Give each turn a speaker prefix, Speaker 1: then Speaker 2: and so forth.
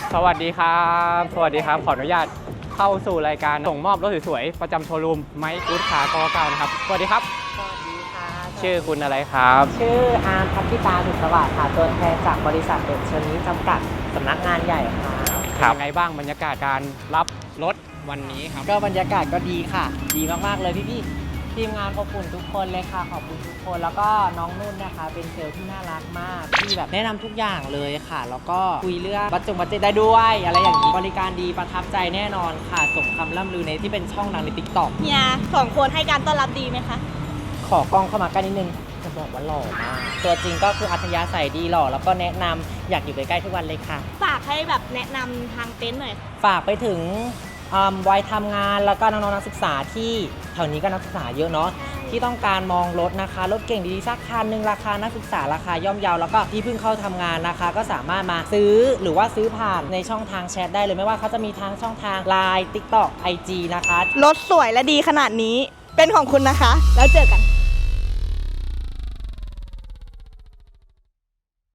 Speaker 1: สวัสดีครับขออนุญาตเข้าสู่รายการส่งมอบรถสวยๆประจำโชว์รูมไมค์กู๊ดคาร์กนะครับสวัสดีครับ
Speaker 2: สวัสดีค่ะ
Speaker 1: ชื่อคุณอะไรครับ
Speaker 2: ชื่ออาร์มพัทธิตาสุขสวัสดิ์ค่ะตัวแทนจากบริษัทเดชเชอรี่จำกัดสำนักงานใหญ่ค่ะ
Speaker 1: ครับยังไงบ้างบรรยากาศการรับรถวันนี้ครับ
Speaker 2: ก็บรรยากาศก็ดีค่ะดีมากๆเลยพี่ทีมงานขอบคุณทุกคนเลยค่ะขอบคุณทุกคนแล้วก็น้องนุ่นนะคะเป็นเซลล์ที่น่ารักมากที่แบบแนะนำทุกอย่างเลยค่ะแล้วก็คุยเรื่องบัตรได้ด้วยอะไรอย่างนี้บริการดีประทับใจแน่นอนค่ะสมคำล่ำลือในที่เป็นช่องดังใน TikTok
Speaker 3: เนี่ย2 คนให้การต้อนรับดีไหมคะ
Speaker 2: ขอกล้องเข้ามาใกล้นิดนึงจะบอกว่าหล่อมากตัวจริงก็คืออัธยาศัยดีหล่อแล้วก็แนะนำอยากอยู่ใกล้ๆทุกวันเลยค่ะ
Speaker 3: ฝากให้แบบแนะนำทางเต็นท์หน่อย
Speaker 2: ฝากไปถึงวัยทำงานแล้วก็น้องๆนักศึกษาที่แถวนี้ก็นักศึกษาเยอะเนาะที่ต้องการมองรถนะคะรถเก่งดีๆสักคันหนึ่งราคานักศึกษาราคาย่อมเยาแล้วก็ที่เพิ่งเข้าทำงานนะคะก็สามารถมาซื้อหรือว่าซื้อผ่านในช่องทางแชทได้เลยไม่ว่าเขาจะมีทางช่องทาง LINE TikTok IG นะคะ
Speaker 3: รถสวยและดีขนาดนี้เป็นของคุณนะคะแล้วเจอกัน